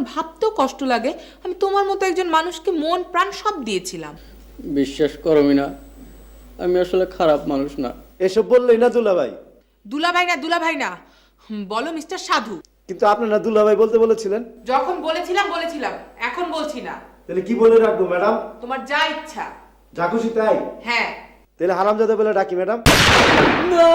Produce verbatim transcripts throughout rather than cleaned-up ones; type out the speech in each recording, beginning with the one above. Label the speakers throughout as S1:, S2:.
S1: ভাবতেও কষ্ট লাগে আমি তোমার মতো একজন মানুষকে মন প্রাণ সব দিয়েছিলাম।
S2: বিশ্বাস করো মিনা, আমি আসলে খারাপ মানুষ না।
S3: এসব বললেই না দুলাভাই।
S1: দুলাভাই না দুলাভাই না হুম, বলো মিস্টার সাধু।
S3: কিন্তু আপনি না দুলাভাই বলতে বলেছিলেন।
S1: যখন বলেছিলাম বলেছিলাম, এখন বলছি না।
S3: তাহলে কি বলে রাখবো ম্যাডাম?
S1: তোমার যা ইচ্ছা।
S3: যা খুশি তাই?
S1: হ্যাঁ।
S3: তাহলে হারামজাদা বলে ডাকি ম্যাডাম?
S2: না,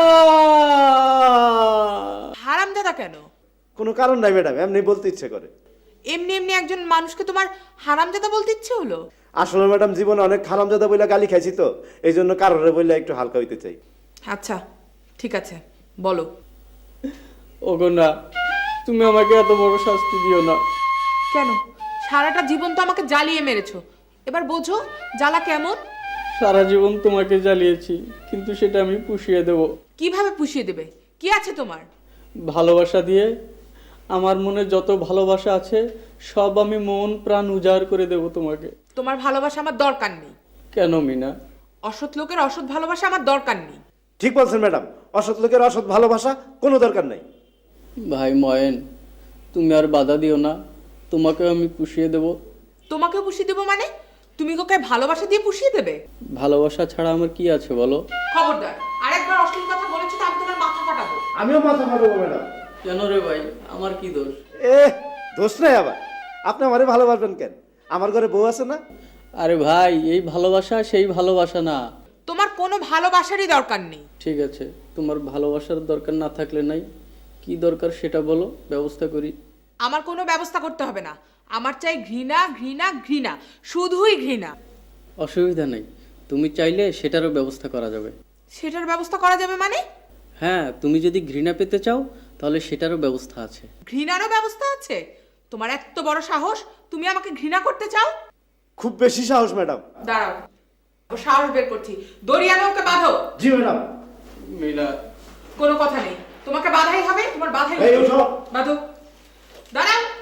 S1: হারামজাদা কেন?
S3: কোনো কারণ নাই ম্যাডাম, এমনি বলতে ইচ্ছে করে।
S1: এমনি এমনি একজন মানুষকে তোমার হারামজাদা বলতে ইচ্ছে হলো?
S3: আসলে ম্যাডাম জীবনে অনেক হারামজাদা বইলা গালি খাইছি তো, এই জন্য কারোরে বইলা একটু হালকা হইতে চাই।
S1: আচ্ছা ঠিক আছে, বলো।
S2: ওগো না, তুমি আমাকে এত বড় শাস্তি দিও না।
S1: কেন? সারাটা জীবন তো আমাকে জ্বালিয়ে মেরেছো, এবার বোঝো জ্বালা কেমন।
S2: সারা জীবন তোমাকে জ্বালিয়েছি, কিন্তু সেটা আমি পুষিয়ে দেব।
S1: কিভাবে পুষিয়ে দেবে? কি আছে তোমার?
S2: ভালোবাসা দিয়ে। আমার মনে যত ভালোবাসা আছে সব আমি মন প্রাণ উজাড় করে দেব তোমাকে।
S1: তোমার ভালোবাসা আমার দরকার নেই।
S2: কেন মিনা?
S1: অসৎ লোকের অসৎ ভালোবাসা আমার দরকার নেই।
S3: ঠিক বলছেন ম্যাডাম, অসৎ লোকের অসৎ ভালোবাসা কোনো দরকার নাই।
S2: ভাই ময়েন, তুমি আর বাধা দিও না, তোমাকে আমি পুষিয়ে দেব।
S1: তোমাকে পুষিয়ে দেবো মানে? তুমি ওকে ভালোবাসা দিয়ে পুষিয়ে দেবে?
S2: ভালোবাসা ছাড়া আমার কি আছে বলো?
S1: খবরদার, আরেকবার অশ্লীল কথা বলেছো তো আমি তোমার মাথা ফাটাবো।
S3: আমিও মাথা ফাটাবো ম্যাডাম।
S2: কেন রে ভাই, আমার কি দোষ?
S3: এ দোষ নাই আবার, আপনি আমারে ভালোবাসবেন কেন? আমার ঘরে বউ আছে না?
S2: আরে ভাই, এই ভালোবাসা সেই ভালোবাসা না।
S1: তোমার কোনো ভালোবাসারই দরকার নেই।
S2: ঠিক আছে, তোমার ভালোবাসার দরকার না থাকলে নাই, কি দরকার সেটা বলো, ব্যবস্থা করি।
S1: আমার কোনো ব্যবস্থা করতে হবে না। আমার চাই ঘৃণা ঘৃণা ঘৃণা, শুধুই ঘৃণা।
S2: অসুবিধা নেই, তুমি চাইলে সেটারও ব্যবস্থা করা যাবে।
S1: সেটার ব্যবস্থা করা যাবে মানে?
S2: হ্যাঁ, তুমি যদি ঘৃণা পেতে চাও তাহলে সেটারও ব্যবস্থা আছে।
S1: ঘৃণারও ব্যবস্থা আছে? তোমার এত বড় সাহস, তুমি আমাকে ঘৃণা করতে চাও?
S3: খুব বেশি সাহস ম্যাডাম।
S1: দাঁড়াও, ও সাহস বের করছি। দড়িয়ানো ওকে বাঁধো।
S3: জি ম্যাডাম।
S2: মিনা,
S1: কোনো কথা নেই, তোমাকে বাধাই হবে, তোমার বাধাই
S3: এই
S1: হবে।
S3: ওঠো।
S1: বাঁধো। দাঁড়াও।